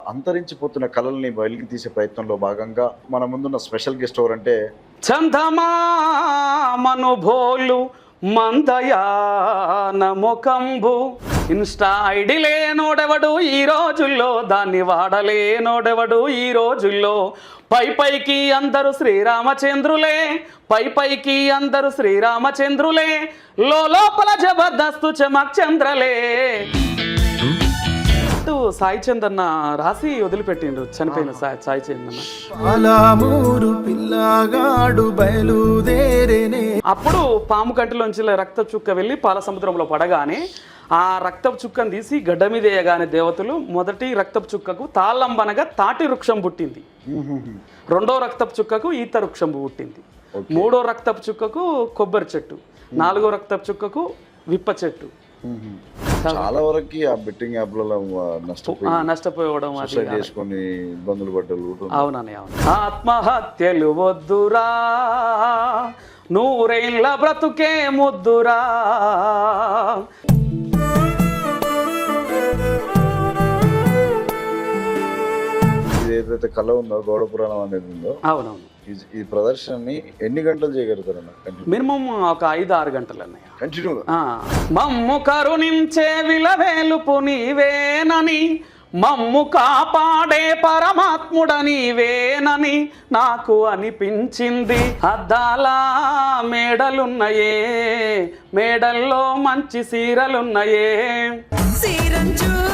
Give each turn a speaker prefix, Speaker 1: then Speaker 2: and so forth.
Speaker 1: అంతరించిపోతున్న కళల్ని బయటికి తీసే ప్రయత్నంలో భాగంగా మన ముందున్న స్పెషల్ గెస్ట్ ఎవరంటే
Speaker 2: చందమామనుభోలు మందయాన ముఖంబు ఇన్స్టా ఐడి లేనోడెవడు ఈ రోజుల్లో, దాన్ని వాడలేనోడెవడు ఈ రోజుల్లో. పైకి అందరూ శ్రీరామచంద్రులే, పైకి అందరూ శ్రీరామచంద్రులే, లోపల జబర్దస్తు చమక్ చంద్రలే. సాయి చందన్న రాసి వదిలిపెట్టిండు, చనిపోయిన సాయి చందన్న. అప్పుడు పాము కంటిలోంచి రక్త చుక్క వెళ్ళి పాల సముద్రంలో పడగానే ఆ రక్తపు చుక్కను తీసి గడ్డ మీద వేయగానే దేవతలు మొదటి రక్తపు చుక్కకు తాళ్ళంబనగా తాటి వృక్షం పుట్టింది, రెండో రక్తపు చుక్కకు ఈత వృక్షం పుట్టింది, మూడో రక్తపు చుక్కకు కొబ్బరి చెట్టు, నాలుగో రక్తపు చుక్కకు విప్ప చెట్టు.
Speaker 1: చాలా వరకు ఆ బెట్టింగ్ యాప్లలో
Speaker 2: నష్టపోవడం
Speaker 1: చేసుకొని ఇబ్బందులు పడ్డలు.
Speaker 2: అవునని అవును. ఆత్మహత్యలు వద్దురా, నూరేళ్ళ బ్రతుకే ముద్దురా.
Speaker 1: ఏదైతే కళ ఉందో గౌడ పురాణం అనేది ఉందో,
Speaker 2: అవునవును,
Speaker 1: ఈ ప్రదర్శనని ఎన్ని గంటలు చేయగలుగుతారు అన్న?
Speaker 2: మినిమం ఒక 5-6 గంటలు అన్నయ్య.
Speaker 1: కంటిన్యూగా
Speaker 2: మమ్ము కరుణించే విలవేలుపు నీవేనని, మమ్ము కాపాడే పరమాత్ముడ నీవేనని నాకు అనిపించింది. అద్దాల మేడలున్నయే, మేడల్లో మంచి సీరలున్నయే,
Speaker 3: సీరంచు